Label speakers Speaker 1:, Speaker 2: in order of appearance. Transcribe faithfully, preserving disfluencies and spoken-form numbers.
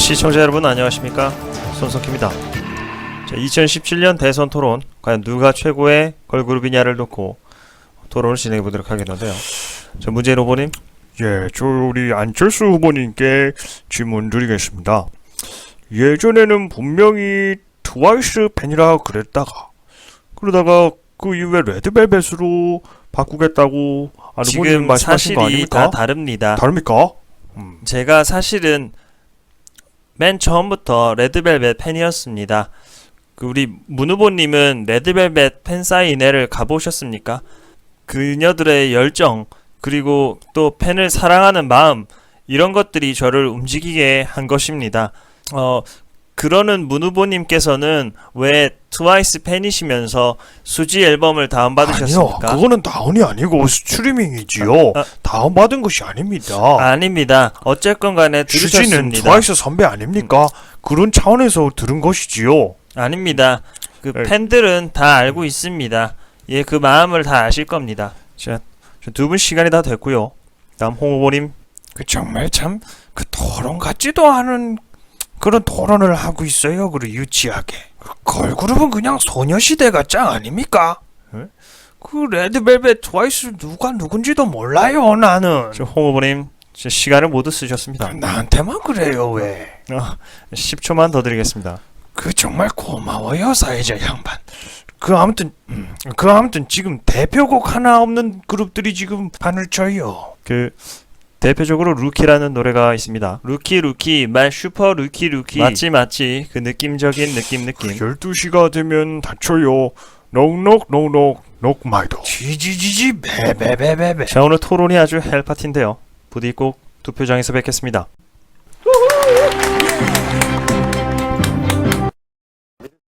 Speaker 1: 시청자 여러분 안녕하십니까, 손석희입니다. 자, 이천십칠 년 대선 토론, 과연 누가 최고의 걸그룹이냐를 놓고 토론을 진행해 보도록 하겠는데요. 자, 문재인 후보님.
Speaker 2: 예, 저 우리 안철수 후보님께 질문 드리겠습니다. 예전에는 분명히 트와이스 팬이라 그랬다가 그러다가 그 이후에 레드벨벳으로 바꾸겠다고 안 후보님
Speaker 1: 지금
Speaker 2: 말씀하신 거
Speaker 1: 사실이
Speaker 2: 아닙니까?
Speaker 1: 다 다릅니다.
Speaker 2: 다릅니까? 음.
Speaker 1: 제가 사실은 맨 처음부터 레드벨벳 팬이었습니다. 그 우리 문 후보님은 레드벨벳 팬사인회를 가보셨습니까? 그녀들의 열정, 그리고 또 팬을 사랑하는 마음, 이런 것들이 저를 움직이게 한 것입니다. 어, 그러는 문 후보님께서는 왜 트와이스 팬이시면서 수지 앨범을 다운받으셨습니까?
Speaker 2: 아니요, 그거는 다운이 아니고 스트리밍이지요.
Speaker 1: 아, 아,
Speaker 2: 다운받은 것이 아닙니다.
Speaker 1: 아닙니다. 어쨌건 간에
Speaker 2: 수지는
Speaker 1: 들으셨습니다.
Speaker 2: 트와이스 선배 아닙니까? 그런 차원에서 들은 것이지요.
Speaker 1: 아닙니다. 그
Speaker 2: 네.
Speaker 1: 팬들은 다 알고 있습니다. 예, 그 마음을 다 아실 겁니다. 자, 두 분 시간이 다 됐고요. 다음 홍 후보님.
Speaker 2: 그 정말 참 그 토론 같지도 않은 그런 토론을 하고 있어요. 그리고 유치하게. 그 걸그룹은 그냥 소녀시대가 짱 아닙니까? 에? 그 레드벨벳 트와이스 누가 누군지도 몰라요. 나는.
Speaker 1: 저 홍 후보님, 저 시간을 모두 쓰셨습니다.
Speaker 2: 나한테만 그래요. 왜?
Speaker 1: 어, 십 초만 더 드리겠습니다.
Speaker 2: 그 정말 고마워요, 사회자 양반. 그 아무튼 음, 그 아무튼 지금 대표곡 하나 없는 그룹들이 지금 판을 쳐요.
Speaker 1: 그 대표적으로 루키라는 노래가 있습니다. 루키 루키 말 슈퍼 루키 루키 맞지 맞지, 그 느낌적인 느낌 느낌.
Speaker 2: 열두 시가 되면 닫혀요. 녹녹 녹녹 녹 마이도. 지지지지 베베베베베.
Speaker 1: 자, 오늘 토론이 아주 헬파티인데요. 부디 꼭 투표장에서 뵙겠습니다.